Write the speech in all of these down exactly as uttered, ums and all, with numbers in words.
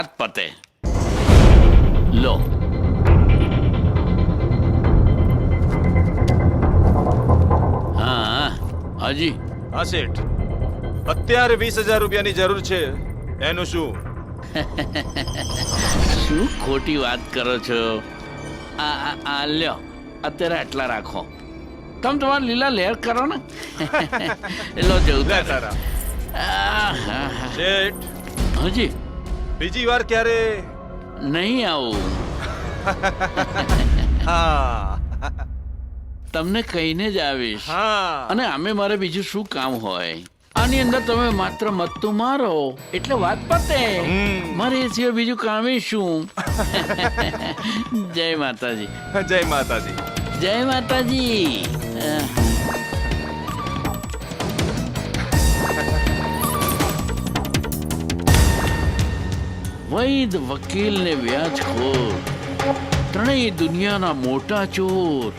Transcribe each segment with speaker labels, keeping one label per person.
Speaker 1: પતે લો. હા હાજી.
Speaker 2: હા શેઠ, અત્યારે વીસ હજાર રૂપિયાની જરૂર છે. એનું શું?
Speaker 1: શું ખોટી વાત કરો છો? આ આ આ લ્યો, અત્યારે આટલા રાખો. તમે તમારા લીલા લહેર કરો ને. લો જવું
Speaker 2: લે તારા. શેઠ,
Speaker 1: હાજી.
Speaker 2: બીજી વાર ક્યારે?
Speaker 1: નહીં આવું.
Speaker 2: હા
Speaker 1: તમને કહીને જ આવીશ.
Speaker 2: હા.
Speaker 1: અને આમે મારે બીજું શું કામ હોય? આની અંદર તમે માત્ર મત્તું મારો એટલે વાત પતે. મારે એ સિવાય બીજું કામ શું? જય માતાજી.
Speaker 2: જય માતાજી.
Speaker 1: જય માતાજી. વૈદ વકીલ ને વ્યાજખોર ત્રણેય દુનિયાના મોટા ચોર.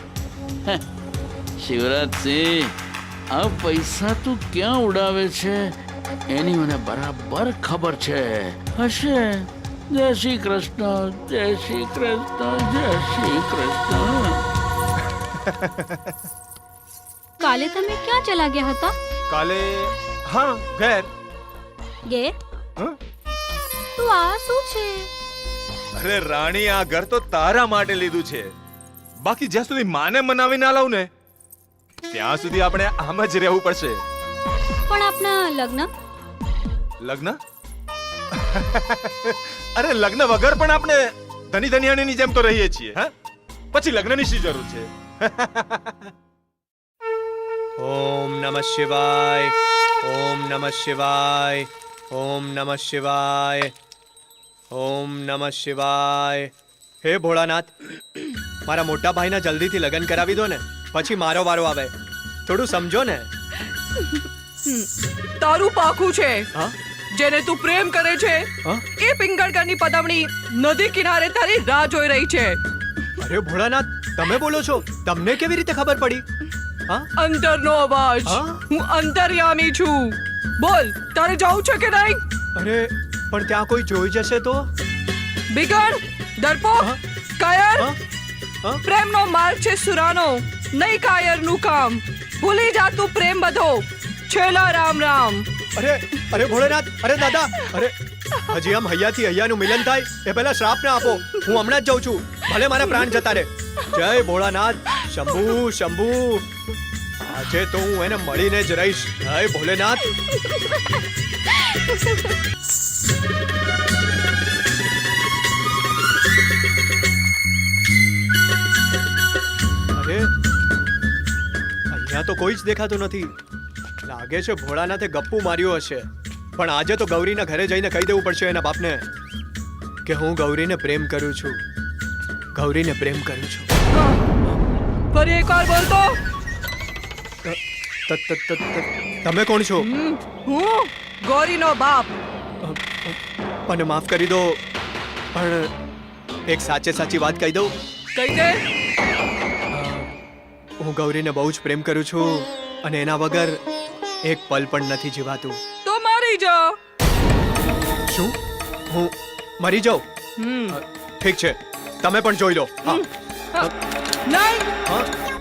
Speaker 1: શિવરાજસિંહ, આ પૈસા તું ક્યાં ઉડાવે છે એની મને બરાબર ખબર છે. હશે. જય શ્રી કૃષ્ણ, જય શ્રી કૃષ્ણ, જય શ્રી કૃષ્ણ.
Speaker 3: કાલે તમે ક્યાં ચલા ગયા હતા?
Speaker 2: કાલે હા ઘેર.
Speaker 3: ઘેર?
Speaker 2: હં?
Speaker 3: તો આ શું છે?
Speaker 2: અરે રાણી, આ ઘર તો તારા માટે લીધું છે. બાકી જ્યાં સુધી માને મનાવી ના લાવ ને ત્યાં સુધી આપણે આમ જ રહેવું પડશે.
Speaker 3: પણ આપના લગ્ન?
Speaker 2: લગ્ન? અરે લગ્ન વગર પણ આપણે ધની ધનિયાણીની જેમ તો રહીએ છીએ. હા, પછી લગ્નની શી જરૂર છે?
Speaker 4: ઓમ નમઃ શિવાય, ઓમ નમઃ શિવાય, ઓમ નમઃ શિવાય, ઓમ નમઃ શિવાય. હે ભોળાનાથ, મારા મોટા ભાઈના જલ્દીથી લગ્ન કરાવી દો ને, પછી મારો વારો આવે. થોડું સમજો ને.
Speaker 5: તારું પાખું છે.
Speaker 4: હા?
Speaker 5: જેને તું પ્રેમ કરે છે
Speaker 4: હા?
Speaker 5: એ પિંગળગરની પદમણી નદી કિનારે તારી રાહ જોઈ રહી છે.
Speaker 4: અરે ભોળાનાથ, તમે બોલો છો? તમને કેવી રીતે ખબર પડી? હા?
Speaker 5: અંતરનો અવાજ.
Speaker 4: હા?
Speaker 5: હું અંતર્યામી છું. બોલ, તારે જવું છે કે નહીં?
Speaker 4: અરે પણ ત્યાં કોઈ જોઈ જશે તો?
Speaker 5: બિગડ, ડરપોક,
Speaker 4: હા?
Speaker 5: કાયર.
Speaker 4: હા? હા?
Speaker 5: પ્રેમનો માર્ગ છે સુરાનો, નહીં કાયરનું કામ. ભૂલી જા તું પ્રેમ બધો. છેલ્લા રામ રામ.
Speaker 4: અરે અરે ભોળાનાથ, અરે દાદા, અરે હજી આમ હૈયાથી હૈયાનું મિલન થાય એ પહેલા શ્રાપ ના આપો. હું હમણાં જ જાઉં છું, ભલે મારા પ્રાણ જતા રહે. જય ભોળાનાથ. શંભુ શંભુ, આજે તો હું એને મળીને જ રહીશ. જય ભોલેનાથ. અરે અહીંયા તો કોઈ જ દેખાતું નથી. લાગે છે ભોળાનાથે ગપ્પુ માર્યો હશે. પણ આજે તો ગૌરીના ઘરે જઈને કહી દેવું પડશે એના બાપને કે હું ગૌરીને પ્રેમ કરું છું. ગૌરીને પ્રેમ કરું છું.
Speaker 5: ફરી એકવાર બોલ તો.
Speaker 4: ત- ત- ત- ત- તમે કોણ છો?
Speaker 5: હું ગૌરીનો બાપ.
Speaker 4: મને માફ કરી દો, પણ એક સાચે સાચી વાત કહી દઉં.
Speaker 5: કહી દે.
Speaker 4: હું ગૌરીને બહુ જ પ્રેમ કરું છું અને એના વગર એક પલ પણ નથી જીવાતું.
Speaker 5: તો મારી જા.
Speaker 4: શું? હું મરી જાઉં?
Speaker 5: હમ.
Speaker 4: ઠીક છે, તમે પણ જોઈ લો. હા.
Speaker 5: નહીં.
Speaker 4: હા?